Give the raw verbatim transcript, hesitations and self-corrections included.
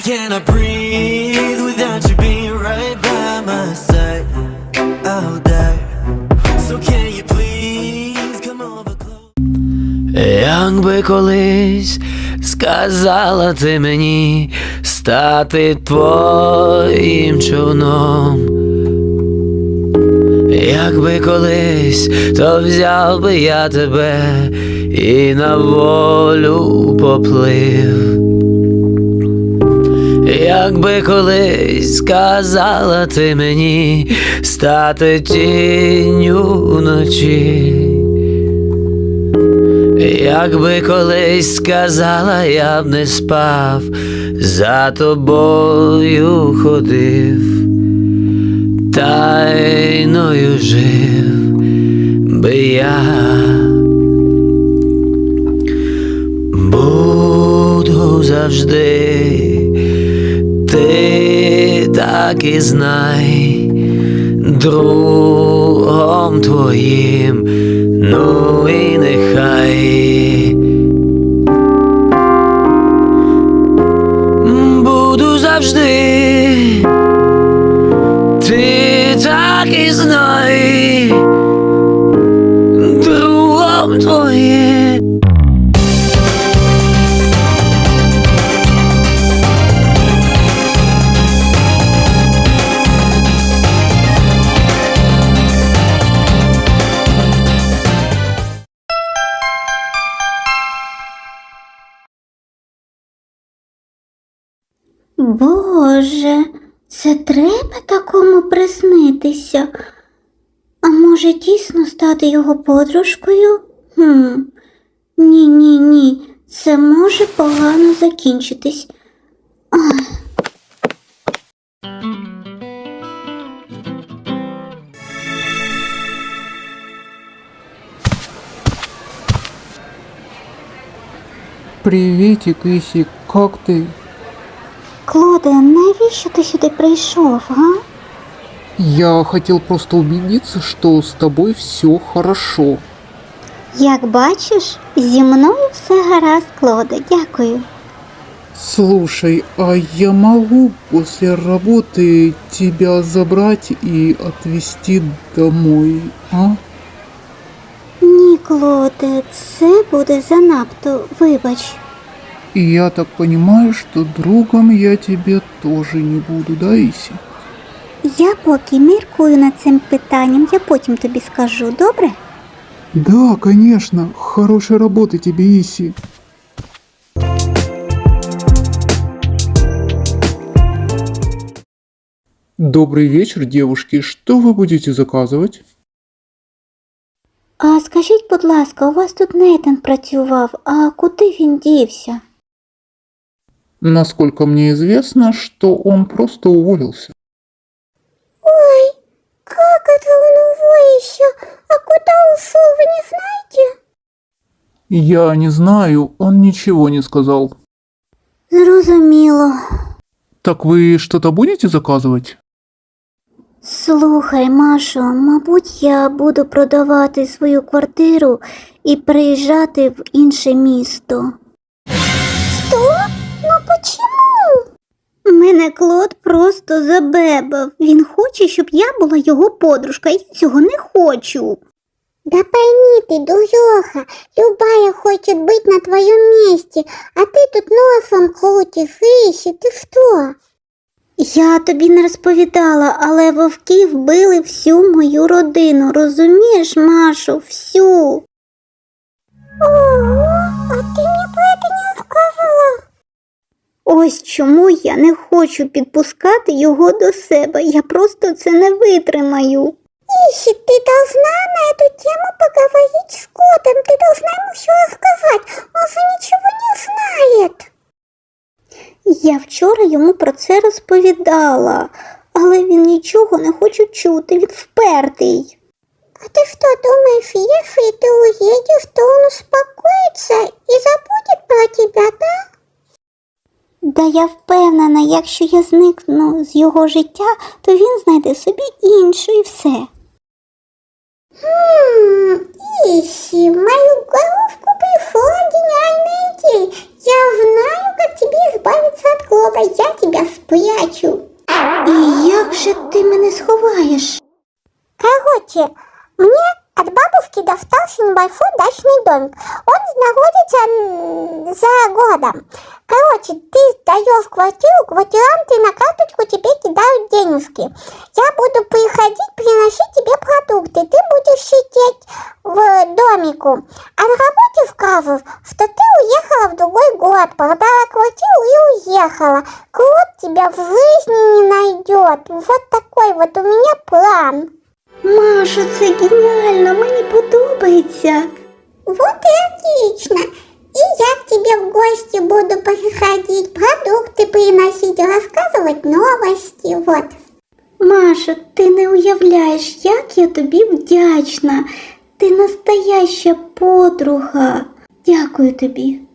cannot breathe without you being right by my side. I'll die. So can you please come over close? Якби колись сказала ти мені стати твоїм човном, якби колись, то взяв би я тебе і на волю поплив. Якби колись сказала ти мені стати тінню вночі, якби колись сказала, я б не спав, за тобою ходив, тайною жив би я. Буду завжди, ти так і знай, другом твоїм, ну і нехай. Буду завжди, ти так і знай, другом твоїм. Боже, це треба такому приснитися? А може дійсно стати його подружкою? Хм, ні-ні-ні, це може погано закінчитись. Ах. Приветик, Иси, как ты? Клоде, навіщо ти сюди прийшов, га? Я хотел просто убедиться, что с тобой все хорошо. Як бачиш, зі мною все гаразд, Клоде, дякую. Слушай, а я могу после работы тебя забрать и отвезти домой, а? Ні, Клоде, це буде занадто, вибач. И я так понимаю, что другом я тебе тоже не буду, да, Иси? Я поки міркую над цим питанням, я потім тобі скажу, добре? Да, конечно. Хорошей работы тебе, Иси. Добрый вечер, девушки. Что вы будете заказывать? А скажіть, будь ласка, у вас тут Нейтан працював, а куди він дівся? Насколько мне известно, что он просто уволился. Ой, как это он уволился? А куда ушел, вы не знаете? Я не знаю, он ничего не сказал. Зрозуміло. Так вы что-то будете заказывать? Слухай, Машо, мабуть, я буду продавати свою квартиру і переїжджати в інше місто. Що? Ну почему? Мене Клод просто забебав. Він хоче, щоб я була його подружка, я цього не хочу. Да пойми ты, дуреха, любая хочет быть на твоем месте, а ты тут носом крутишь, Ищи, ты что? Я тобі не розповідала, але вовки вбили всю мою родину, розумієш, Машо, всю. Ого, а ти мені про це не розказала. Ось чому я не хочу підпускати його до себе, я просто це не витримаю. Ищи, ты должна на эту тему поговорить с Котом, ты должна ему все рассказать, он же ничего не знает. Я вчора йому про це розповідала, але він нічого не хоче чути, він впертий. А ти що думаєш, якщо ти уїдеш, то він успокоїться і забуде про тебе, да? Да я впевнена, якщо я зникну з його життя, то він знайде собі іншу і все. Хм, Ищи, в мою головку пришла гениальная идея. Я знаю, как тебе избавиться от Клода. Я тебя спрячу. І як же ти мене сховаєш? Короче, мне от бабушки достался небольшой дачный домик. Он находится м, за городом. Короче, ты сдаешь квартиру, квартиранты на карточку тебе кидают денежки. Я буду приходить, приносить тебе продукты. Ты будешь сидеть в домику. А на работе скажешь, что ты уехала в другой город, продала квартиру и уехала. Клод тебя в жизни не найдет. Вот такой вот у меня план. Маша, це геніально, мені подобається. Вот и отлично. И я к тебе в гости буду приходить, продукты приносить, рассказывать новости, вот. Маша, ти не уявляєш, як я тобі вдячна. Ти настояща подруга. Дякую тобі.